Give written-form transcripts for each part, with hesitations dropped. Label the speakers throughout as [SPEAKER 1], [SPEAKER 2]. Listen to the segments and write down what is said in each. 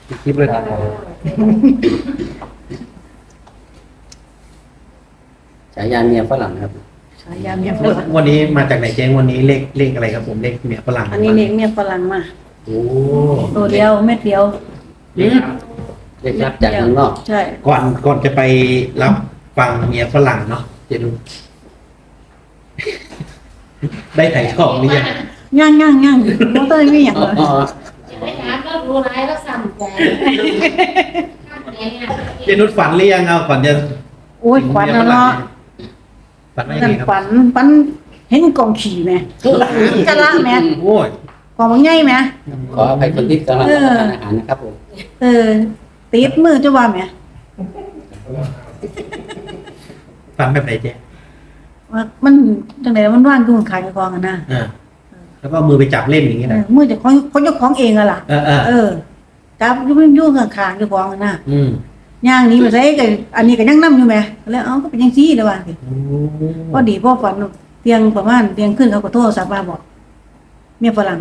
[SPEAKER 1] คลิปเลยครับฉายาเมียฝรั่งครับ
[SPEAKER 2] ฉายาเมียฝรั่ง
[SPEAKER 3] วันนี้มาจากไหนเจ๊งวันนี้เลขอะไรครับผมเลขเมียฝรั่ง
[SPEAKER 2] อันนี้เมียฝรั่งมา
[SPEAKER 3] โอ้
[SPEAKER 2] ตัวเดียวเม็ดเดียว
[SPEAKER 1] เรียกรับจากข้างนอก
[SPEAKER 2] ใช่
[SPEAKER 3] ก่อนจะไปรับฟังเมียฝรั่งเนาะเจ๊นุชได้ถ่ายทอดหรือยัง
[SPEAKER 2] ย่างมันต้องมีอย่างเลย
[SPEAKER 4] จะไม่ถามแล้วรู้ร้ายแล้วสั่งใจ
[SPEAKER 3] เจ๊นุชฝันหรือยังเอาก่อนจะ
[SPEAKER 2] โอ้ยขวัญนะเนาะ
[SPEAKER 3] ฝันว่ายัง
[SPEAKER 2] นั่
[SPEAKER 3] ไง
[SPEAKER 2] น
[SPEAKER 3] ครับ
[SPEAKER 2] ฝันเห็นกองขี่ไหมกะละไหม
[SPEAKER 3] โอ้ย
[SPEAKER 2] กองมันใหญ่ไหม
[SPEAKER 1] ขออภัยคนที่กำลังรับประทานอาหารนะครับผม
[SPEAKER 2] ติดมือจะว่าไหม
[SPEAKER 3] ฝันแบบไหนเจ๊
[SPEAKER 2] ว่ามันจังไหนมันว่างกูมันขายกองกันนะ
[SPEAKER 3] แล้วก็เอามือไปจับเล่นอย่างนี้นะ
[SPEAKER 2] มือจะของเจ้าของเองอะล่ะ จับยุ่งข้างๆเจ้าของกันนะ
[SPEAKER 3] อืม
[SPEAKER 2] ย่างนี้มาใส่กับอันนี้ก็ยังนั่อยู่ไหมแล้วเอ้าก็เป็นยังซี่เลยว่า
[SPEAKER 3] โอ้
[SPEAKER 2] พอดีพ่อฝันเตียงประมาณเตียงขึ้นเขาก็โทรศัพท์มาบอกเมียฝรั่ง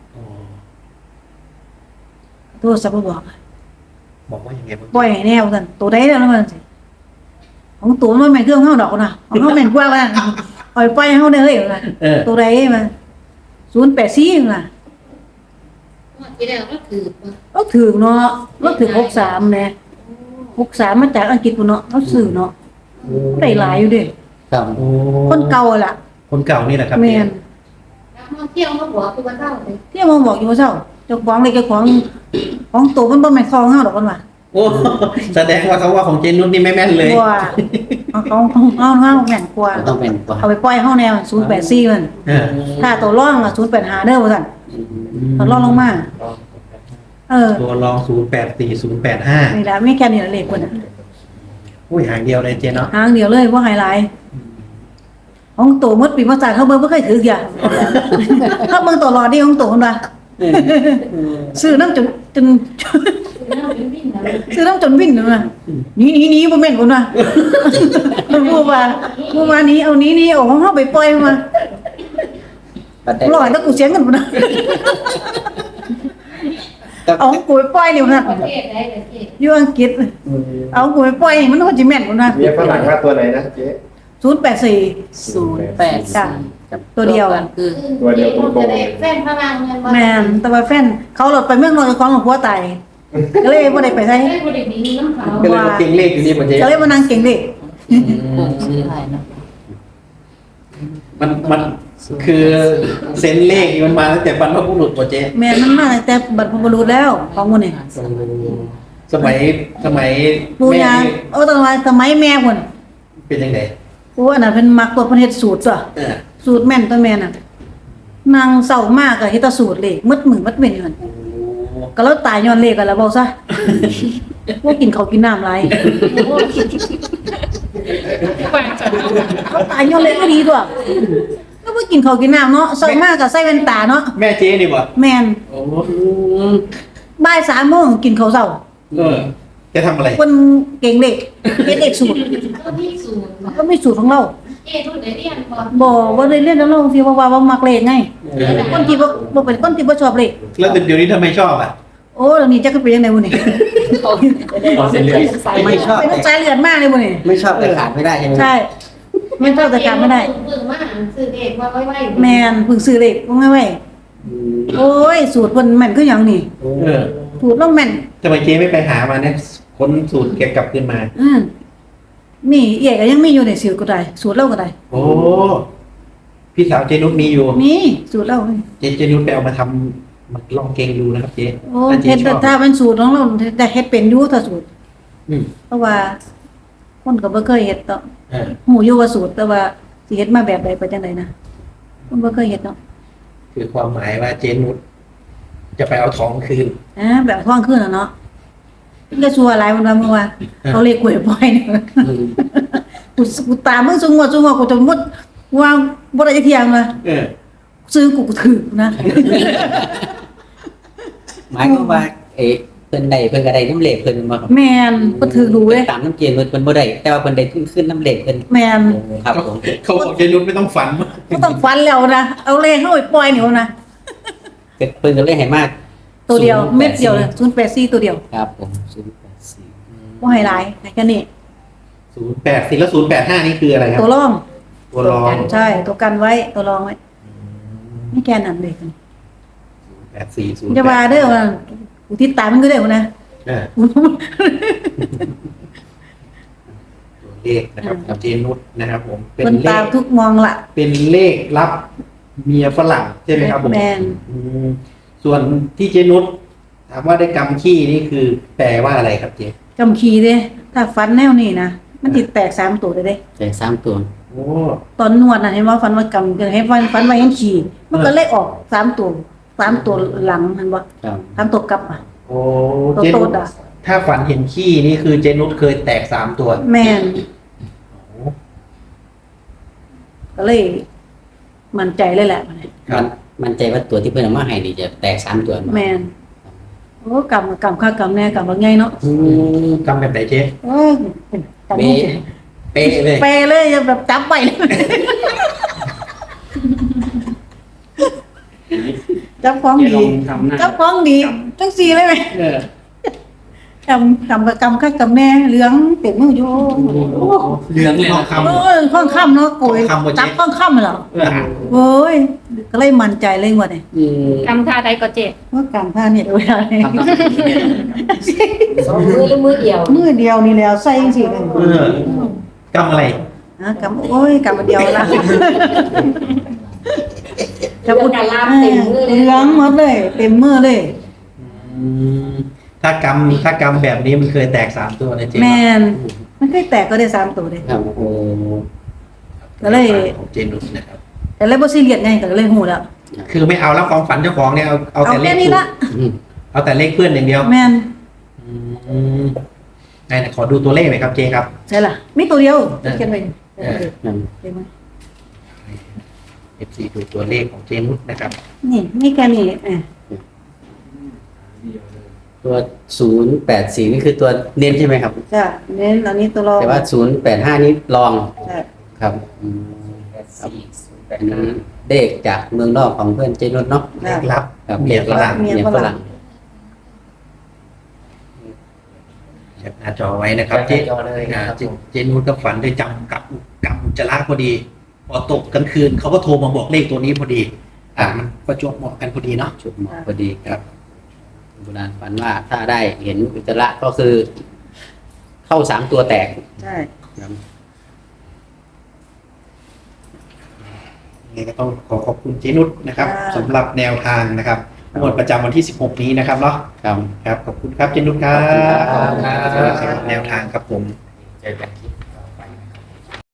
[SPEAKER 2] โทรศัพท์มาบอก
[SPEAKER 3] บอกว่ายังไงบ้าง
[SPEAKER 2] ปล่อยให้แนวกันตัวใดแล้วมันสิของตัวมันไม่เครื่องเข้าดอกนะของเขาแม่นกว่าแล้วปล่อยให้เขาได้เฮ้ยนะตัวใดมา084น่ะ
[SPEAKER 4] ที่แล้วก็คือ
[SPEAKER 2] เราถือเนาะเราถือ63แน่63มาจากอังกฤษพุ่นเนาะเขาซื้อเนาะได้หลายอยู่เด้
[SPEAKER 1] ครับ
[SPEAKER 3] โอ้
[SPEAKER 2] คนเก่าล่ะ
[SPEAKER 3] คนเก่านี่แหละครับ
[SPEAKER 2] แม่น
[SPEAKER 4] นักท่องเที่ยวเขาบอกคือวันเท่าเลย
[SPEAKER 2] ที่มองบอกอยู่ว่าเจ้าเจ้าของเลยเจ้าของตัวมันบ่แม่นคอเฮาดอกมันว่า
[SPEAKER 3] โอ้แสดงว่าเขาว่าของเจนุชนี่ไม่แม่นเลย
[SPEAKER 2] ว่าของเฮาแม่นกว่า
[SPEAKER 1] ต้องเป็นกว่า
[SPEAKER 2] เอาไปปล่อยเฮาแนว084มัน
[SPEAKER 3] เออ
[SPEAKER 2] ถ้าตัวร่องอ่ะ085เด้อว่าซั่นถ้าร่องลงมา
[SPEAKER 3] ตัวรอง084085
[SPEAKER 2] นี่ล่ะมีแค่นี้ล่ะเลขเพิ่นน่ะ
[SPEAKER 3] อุ้ยหางเดียวเลยเจเนาะ
[SPEAKER 2] หางเดียวเลยบ่ไฮไลท์ของตัวหมดปีมาจากเขาเบิ่งบ่เคยถืออย่างเขาเบิ่งตลอดนี่ของตัวเพิ่นว่าซื้อน้ำจน ซื้อน้ำจนวิ่นเลยนะหนีบ่แม่นคนว่ะผู้ว่านี้เอานี้เอาของเฮาไปปล่อยมาร้อยแล้วกูเสียเงินบ่นะเอาของกูไปปล่อยนี่นะ
[SPEAKER 4] ประเทศใดประเทศ
[SPEAKER 2] อยู่อังกฤษเอากูไปปล่อยนี่มันก็สิแม่นบ่นะ
[SPEAKER 5] เมียฝรั่งว่าตัวไหนนะเจ๊
[SPEAKER 2] 084จ้ะตัวเดียว
[SPEAKER 4] คือจะได้แฟนพลังเงิน
[SPEAKER 2] แม่นแต่ว่าแฟนเขาหลดไปเมืองนอกของหลวงพ่อตายก็เลยบ่ได้ไปไส
[SPEAKER 4] ได้บริบีน้ำเขา
[SPEAKER 3] ก็เลยมาเก่งเลขอยู่นี่มันเจ
[SPEAKER 2] ก็เลยมานั่งเก่งเด็ก
[SPEAKER 3] มันคือเซนเลขนี่มันมาตั้งแต่บรรพบุรุษป่ะเจ๊
[SPEAKER 2] แม่มันมาตั้งแต่บรรพบุรุษแล้วของหมู่นี่
[SPEAKER 3] สมัย
[SPEAKER 2] ปู่
[SPEAKER 3] แม่
[SPEAKER 2] ย่า
[SPEAKER 3] นี่
[SPEAKER 2] ตอนว่าสมัยแม่พุ่น
[SPEAKER 3] เป็นยังไง
[SPEAKER 2] โอ้อันนั้นเพิ่นมักตัวเพิ่นเฮ็ดสูตรตัว
[SPEAKER 3] เออ
[SPEAKER 2] สูตรแม่นตัวแม่น่ะนางเศร้ามากก็เฮ็ดแต่สูตรเลขมืดมือมัดเว้นอยู่นั่นก็แล้วตายย้อนเลขกันแล้วเว้าซะบ่กินข้าวกินน้ำหลายเขาตายย้อนเลขก็ดีตัวก็บ่กินข้าวกินน้ำเนาะเศร้ามากก็ใส่แว่นตาเนาะ
[SPEAKER 3] แม่เจ๊นี่บ่
[SPEAKER 2] แม่น
[SPEAKER 3] โอ้
[SPEAKER 2] บ่าย3โมงกินข้าวเช้า
[SPEAKER 3] จะทำอะไร
[SPEAKER 2] คนเก่งเลขเฮ็ดเลขสูตร
[SPEAKER 4] ก็ที่สูง
[SPEAKER 2] ก็มีสูตรของเรา
[SPEAKER 4] เจ๊รุ่นไหนเรียนก่อน
[SPEAKER 2] บ่ได้เรียนแล้วเราสิว่ามักเลขไงคนที่บ่เป็นคนที่บ่ชอบเลข
[SPEAKER 3] แล้วเดี๋ยวนี้ทำไมชอบอ่ะ
[SPEAKER 2] โอ้แล้วนี่จักเป็นจังได๋บ่นี่
[SPEAKER 1] ไม่ชอบ
[SPEAKER 2] เป็นสายเลือดมากเลยบ่นี่
[SPEAKER 1] ไม่ชอบแต่ขาดไม่ได้ใช่ไหม
[SPEAKER 2] ใช่ไม่ชอบแต่การไม่ได้
[SPEAKER 4] เพิ่งมาซื้อเด็กว่าไว้
[SPEAKER 2] แม่นเพิ่งซื้อเลขบ่ไว้โอ้ยสูตรเพิ่นแม่นคือหยังนี่
[SPEAKER 3] เออ
[SPEAKER 2] สูตรเราแม่น
[SPEAKER 3] ทำไมเจ๊ไม่ไปหามาเนี่ยค้นสูตรเก็บกลับขึ้นมา
[SPEAKER 2] มีเอียก็ยังมีอยู่ในสูตรก็ได้สูตรเราก็ได้
[SPEAKER 3] โอ้พี่สาวเจนุชมีอยู่
[SPEAKER 2] มีสูตรเรา
[SPEAKER 3] เจนุชไปเอามาทำมาลองเกงดูนะครับเจ๊
[SPEAKER 2] โอ้
[SPEAKER 3] ถ้าเจ๊
[SPEAKER 2] เฮ็ด
[SPEAKER 3] ชอบ
[SPEAKER 2] ถ้าเป็นสูตรของเราแต่เฮ็ดเป็นอยู่ถ้าสูตร
[SPEAKER 3] อืม
[SPEAKER 2] เพราะว่าคนก็บ่เคยเฮ็ดเนาะ
[SPEAKER 3] เออ
[SPEAKER 2] หูอยู่ว่าสูตรแต่ว่าสิเฮ็ดมาแบบใดไปจังไดนะคนบ่เคยเฮ็ดเนาะ
[SPEAKER 3] คือความหมายว่าเจนุชจะไปเอาทองคืน
[SPEAKER 2] แบบท้องขึ้นน่ะเนาะมันก็ชัวร์หลายวันว่าเมื่อวานเขาเลขกล้วยปล่อยนี่กูตามมึงซุงว่ากูจะมุดว่าบ่ได้จักเที่ยงว่า
[SPEAKER 3] เออ
[SPEAKER 2] ซื้อกูถือนะ
[SPEAKER 1] หมายความว่าเพิ่นได้เพิ่นก็ได้น้ำเหล็กเพิ่นมาครับ
[SPEAKER 2] แม่นบ่ถือดูเว้ย
[SPEAKER 1] ตามน้ำเกณฑ์เพิ่นบ่ได้แต่ว่าเพิ่นได้ขึ้นน้ำเหล็กเพิ่น
[SPEAKER 2] แม่น
[SPEAKER 1] ครับผม
[SPEAKER 3] เขาบอกเจนุชไม่ต้องฝันมาก
[SPEAKER 2] บ่ต้องฟันแล้วนะเอาเลขเฮาไปปล่อยนี่เอานะ
[SPEAKER 1] เพิ่นก็เลยให้มาก
[SPEAKER 2] ตัวเดียว
[SPEAKER 1] 084
[SPEAKER 2] เม็ดเดียวเลย084ตัวเดียว
[SPEAKER 1] ครับผม084
[SPEAKER 2] บ่ให้หลายให้แค่นี้
[SPEAKER 3] 084แล้ว085นี่คืออะไรครับ
[SPEAKER 2] ตัวรอง
[SPEAKER 3] ตัวรอง
[SPEAKER 2] ใช่ตัวกันไว้ตัวรองไว้ไม่แค่นั้นเลย
[SPEAKER 3] 84
[SPEAKER 2] มันจะมาเด้อว่าอุทิศตายมันก็ได้พุ่นนะ
[SPEAKER 3] ตัวเลขนะครับของเจนุชนะครับผมเป็น
[SPEAKER 2] เพิ่น
[SPEAKER 3] เล
[SPEAKER 2] ตาม
[SPEAKER 3] ข
[SPEAKER 2] ทุกมองละ
[SPEAKER 3] เป็นเลขรับเมียฝรั่งใช่ไหมครับผม
[SPEAKER 2] แม่น
[SPEAKER 3] อืมส่วนที่เจนุชถามว่าได้กำขี้นี่คือแปลว่าอะไรครับเจ
[SPEAKER 2] กำขีเด้ถ้าฟันแนวนี้นะมันติดแตก3ตัวเลยเด้
[SPEAKER 1] แจก3ตัว
[SPEAKER 3] โอ้
[SPEAKER 2] ตอนนวดน่ะเห็นว่าฟันว่ากำให้ฟันไว้ยังขี่มันก็เลยออก3ตัว3ตัวหลังเห็นบ่
[SPEAKER 1] ครับ
[SPEAKER 2] 3ตัวกลับอ่ะ
[SPEAKER 3] โอ้
[SPEAKER 2] ตัว
[SPEAKER 3] เจ
[SPEAKER 2] โต
[SPEAKER 3] นุช
[SPEAKER 2] ดอ่ะ
[SPEAKER 3] ถ้าฝันเห็นขี้นี่คือเจนุชเคยแตก3ตัว
[SPEAKER 2] แม่น
[SPEAKER 3] โอ้
[SPEAKER 2] ก็เลยมั่นใจเลยแหละ
[SPEAKER 3] ครับ
[SPEAKER 1] มันใจว่าตัวที่เพิ่นเอามาให้นี่จะแตก3ตัว
[SPEAKER 2] แม่นโอ้กำค่ากำแน่กำว่าไงเนาะ
[SPEAKER 3] กำแบบไหนเจ๊
[SPEAKER 2] เอ้ยกำ
[SPEAKER 1] เป๊ะ
[SPEAKER 3] เป๊ะเลย
[SPEAKER 2] เปเลยยังแบบจับไปเลยจับของดีจับของดีจังสี่เลยไหม
[SPEAKER 3] เออก
[SPEAKER 2] ำค่ากำแน่เหลืองเต็มมืออยู่โอ้
[SPEAKER 3] เหลืองทองคำ
[SPEAKER 2] โอ้ยข้องค่ำเนาะโกย
[SPEAKER 3] ข้องค่ำบ่เจ๊
[SPEAKER 2] จับข้องค่ำเหรอ
[SPEAKER 3] เออ
[SPEAKER 2] โอ้ยก็เลยมั่นใจเลยว่าเนี่ย
[SPEAKER 4] กำท่าใดก็เจ็บ
[SPEAKER 2] ว่ากำผ้าเนี่ยเวลาเนี่ย
[SPEAKER 4] สองมือหรือมือเดียว
[SPEAKER 2] มือเดียวนี่แล้วใส่จังสี่เลย
[SPEAKER 3] เออกำอะไร
[SPEAKER 2] นะกำโอ้ยกำมาเดียวละ
[SPEAKER 4] จะพูดการลามเต็มมือเลย
[SPEAKER 2] เหลืองหมดเลย เต็มมือเลย
[SPEAKER 3] อืมถ้ากำแบบนี้มันเคยแตก3ตัวนะเจ๊
[SPEAKER 2] แมนมันเคยแตกก็ได้3ตัวเลย
[SPEAKER 1] ครับโอ้
[SPEAKER 3] ก็เลยของเจนุชนะครับ
[SPEAKER 2] แต่เลยบ่ซีเรียสไงก็เลยหูแล้ว
[SPEAKER 3] คือไม่เอาแล้วความฝันเจ้าของเนี่ยเอา
[SPEAKER 2] เอา
[SPEAKER 3] แต่เล
[SPEAKER 2] แค่
[SPEAKER 3] ข
[SPEAKER 2] นี้ละ
[SPEAKER 3] เอาแต่เลขเพื่อนอย่างเดียว
[SPEAKER 2] แมน
[SPEAKER 3] อืมไหนขอดูตัวเลขหน่อยครับเจครับ
[SPEAKER 2] ใช่ล่ะมีตัวเดียวเขียนไว้เห็นไหม
[SPEAKER 3] FC ดูตัวเลขของเจนุชนะครับ
[SPEAKER 2] นี่มีแค่นี้อ่ะ
[SPEAKER 1] ตัว084นี่คือตัวเน้นใช่ไหมครับ
[SPEAKER 2] จ้ะเน้นอันนี้ตัวรอง
[SPEAKER 1] แต่ว่า085นี่รอง
[SPEAKER 2] ใช่
[SPEAKER 1] ครับครับอันนี้เลขจากเมืองนอกของเพื่อนเจนุชเนาะ
[SPEAKER 3] เลขลับ
[SPEAKER 1] ครับ
[SPEAKER 3] เมียฝรั่ง
[SPEAKER 2] เมียฝรั่ง
[SPEAKER 3] แคปหน้าจอไว้นะครับเจเจนุชก็ฝันได้จำกับอุจจาระพอดี พอตกกลางคืนเขาก็โทรมาบอกเลขตัวนี้พอดีมันประจวบเหมาะกันพอดีเนาะ
[SPEAKER 1] ชุดหมอพอดีครับโบราณฝันว่าถ้าได้เห็นอุจจาระก็คือ เข้า3ตัวแตก
[SPEAKER 2] ใช่
[SPEAKER 1] ครับ
[SPEAKER 3] ยังไงก็ต้องขอบคุณเจนุชนะครับสำหรับแนวทางนะครับงวดประจำวันที่16นี้นะครับเนาะ
[SPEAKER 1] ครับ
[SPEAKER 3] ครับขอบคุณครับเจนุชครับ
[SPEAKER 1] ขอบคุณครับ
[SPEAKER 3] สำหรับแนวทางครับผม
[SPEAKER 1] เจอกันคลิป